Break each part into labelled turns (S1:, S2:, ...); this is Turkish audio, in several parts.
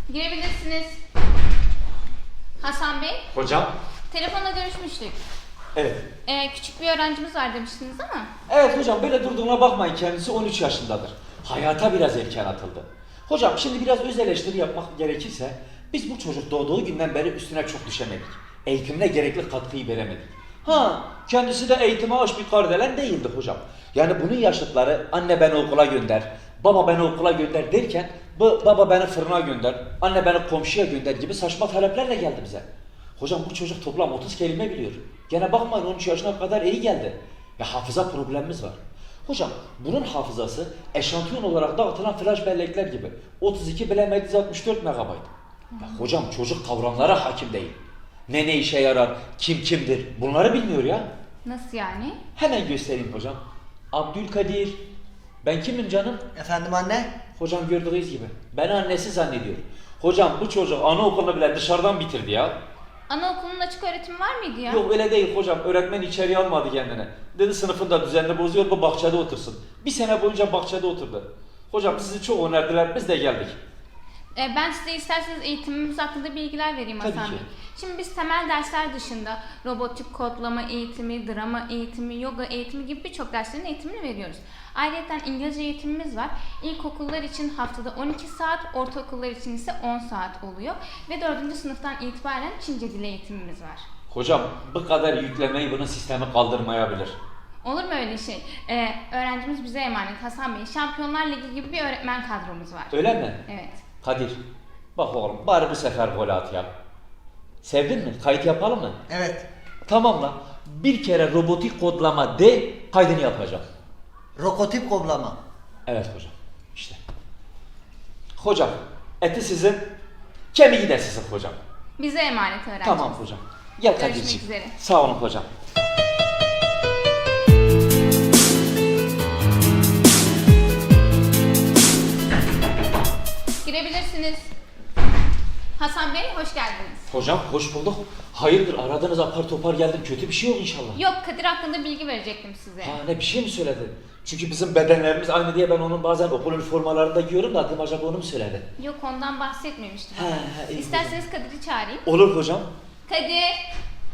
S1: Girebilirsiniz. Hasan Bey,
S2: Hocam?
S1: telefonla görüşmüştük.
S2: Evet.
S1: Küçük bir öğrencimiz var demiştiniz ama.
S2: Evet hocam, böyle durduğuna bakmayın, kendisi 13 yaşındadır. Hayata biraz erken atıldı. Hocam şimdi biraz öz eleştiri yapmak gerekirse, biz bu çocuk doğduğu günden beri üstüne çok düşemedik. Eğitimine gerekli katkıyı veremedik. Kendisi de eğitime aç bir kardelen değildi hocam. Yani bunun yaşıtları anne beni okula gönder, baba beni okula gönder derken, baba beni fırına gönder, anne beni komşuya gönder gibi saçma taleplerle geldi bize. Hocam bu çocuk toplam 30 kelime biliyor. Gene bakmayın 13 yaşına kadar iyi geldi. Ya hafıza problemimiz var. Hocam bunun hafızası eşantiyon olarak dağıtılan flash bellekler gibi. 32 bilemedi 164 megabayt. Ya hocam çocuk kavramlara hakim değil. Ne işe yarar, kim kimdir bunları bilmiyor ya.
S1: Nasıl yani?
S2: Hemen göstereyim hocam. Abdülkadir. Ben kimim canım?
S3: Efendim anne?
S2: Hocam gördüğünüz gibi. Beni annesi zannediyor. Hocam bu çocuk anaokulunu bile dışarıdan bitirdi ya.
S1: Anaokulunun açık öğretimi var mıydı ya?
S2: Yok öyle değil hocam. Öğretmen içeriye almadı kendine. Dedi sınıfında düzenli bozuyor, bu bahçede otursun. Bir sene boyunca bahçede oturdu. Hocam sizi çok önerdiler, biz de geldik.
S1: Ben size isterseniz eğitimimiz hakkında bilgiler vereyim
S2: Tabii
S1: Hasan
S2: ki.
S1: Bey. Şimdi biz temel dersler dışında robotik kodlama eğitimi, drama eğitimi, yoga eğitimi gibi birçok derslerin eğitimini veriyoruz. Ayrıca İngilizce eğitimimiz var. İlkokullar için haftada 12 saat, ortaokullar için ise 10 saat oluyor. Ve 4. sınıftan itibaren Çince dili eğitimimiz var.
S2: Hocam bu kadar yüklemeyi bunun sistemi kaldırmayabilir.
S1: Olur mu öyle şey? Öğrencimiz bize emanet Hasan Bey. Şampiyonlar Ligi gibi bir öğretmen kadromuz var.
S2: Öyle mi?
S1: Evet.
S2: Kadir, bak oğlum bari bu sefer gol at ya. Sevdin mi? Kayıt yapalım mı?
S3: Evet.
S2: Tamam lan. Bir kere robotik kodlama de, kaydını yapacağım.
S3: Rokotip koblama.
S2: Evet hocam. İşte. Hocam, eti sizin, kemiği de sizin hocam.
S1: Bize emanet öğrencimiz.
S2: Tamam hocam. Gel
S1: Görüşmek
S2: Kadir'ciğim.
S1: üzere.
S2: Sağ olun hocam.
S1: Girebilirsiniz. Hasan Bey hoş geldiniz.
S2: Hocam hoş bulduk. Hayırdır aradınız apar topar geldim. Kötü bir şey yok inşallah.
S1: Yok, Kadir hakkında bilgi verecektim size.
S2: Ne bir şey mi söyledi? Çünkü bizim bedenlerimiz aynı diye ben onun bazen okul üniformalarında giyiyorum da adım acaba onu mu söyledi?
S1: Yok, ondan bahsetmemiştim.
S2: iyi
S1: İsterseniz Kadir'i çağırayım.
S2: Olur hocam.
S1: Kadir.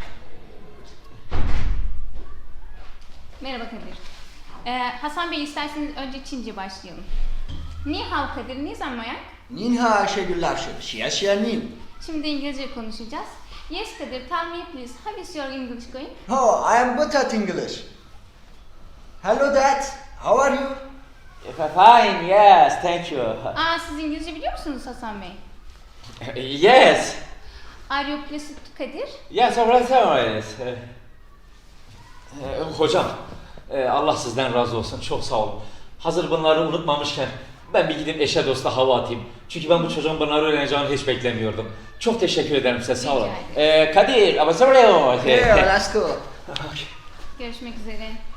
S1: Merhaba Kadir. Hasan Bey isterseniz önce Çince başlayalım. Ni hao Kadir, ni zanmayak?
S3: Nin ha Ayşegüller şia şia nin.
S1: Şimdi İngilizce konuşacağız. Yes Kadir, tell me please, how is your English going?
S3: Oh, I am good at English. Hello dad, how are you?
S2: Fine, yes, thank you.
S1: Siz İngilizce biliyor musunuz Hasan Bey?
S2: Yes.
S1: Are you pleased Kadir?
S2: Yes, alright. Hocam, Allah sizden razı olsun. Çok sağ olun. Hazır bunları unutmamışken ben bir gidip eşe dosta hava atayım. Çünkü ben bu çocuğun bunları öğreneceğini hiç beklemiyordum. Çok teşekkür ederim size, sağ olun.
S1: Rica
S2: Kadir, ama sorry.
S3: Yeah, let's go.
S1: Görüşmek üzere.